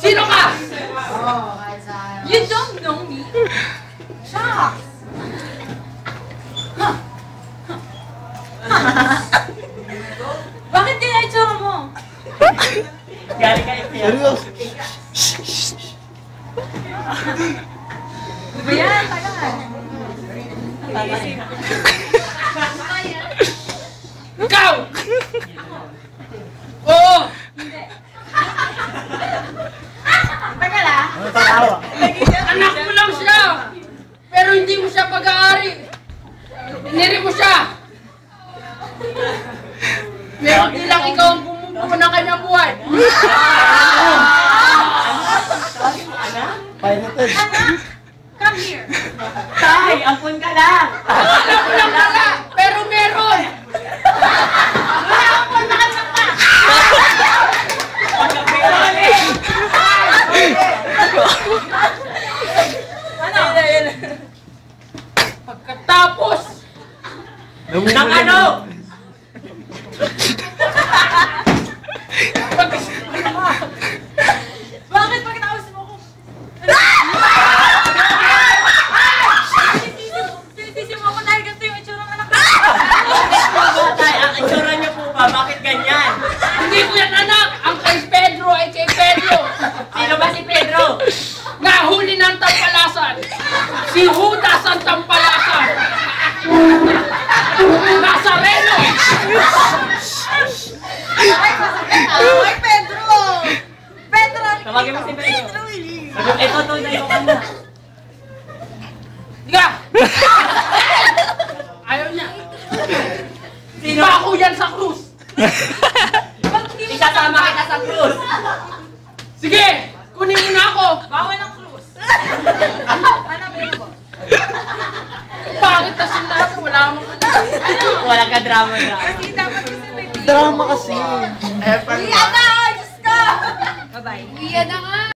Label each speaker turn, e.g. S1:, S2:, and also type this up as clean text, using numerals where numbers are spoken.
S1: Sino ka?
S2: You don't know me? Shucks! Bakit kaya itsura mo?
S3: Galing kayo siya.
S4: Seryoso.
S2: Di ba yan? Tagal.
S1: Ikaw! Oo!
S2: Hindi. Tagal ah.
S4: Ano tatawa?
S1: Anak mo lang siya! Pero hindi mo siya pag-aari! Iniri mo siya! Meron din lang ikaw ang bumubuo ng kanyang buhay!
S4: Piloted.
S2: Anak! Come here!
S3: Tay, ampun ka lang.
S1: Alam mo lang wala! Pero meron!
S2: Wala akong nakalang pa! Ano?
S1: Pagkatapos!
S3: Nang ano?
S2: Bakit pagkatapos mo ako? Sinisisi mo ako dahil ganito yung itsura ng anak ko.
S3: Tay, ang itsura niyo po ba? Bakit ganyan?
S1: Hindi ko yan anak! Ang kay Pedro ay kay Pedro!
S3: Sino ba si Pedro?
S1: Nahuli ng tampalasan! Si Judas ang tampalasan! Nazareno!
S2: Ay, Pedro! Pedro!
S3: Tawagin mo si Pedro. Ito, tunay ko ka na.
S1: Diga! Ayaw niya!
S3: Sino?
S1: Bako yan sa krus!
S3: Isasama kita sa cruise.
S1: Sige! Kunin mo na ako!
S2: Bawal ang cruise. Hanapin mo.
S1: Bakit na sila? Wala akong
S3: Wala ka drama.
S2: Kasi dapat kasi may
S4: Drama kasi.
S2: Iyan na! Diyos ko! Bye-bye. Iyan na nga!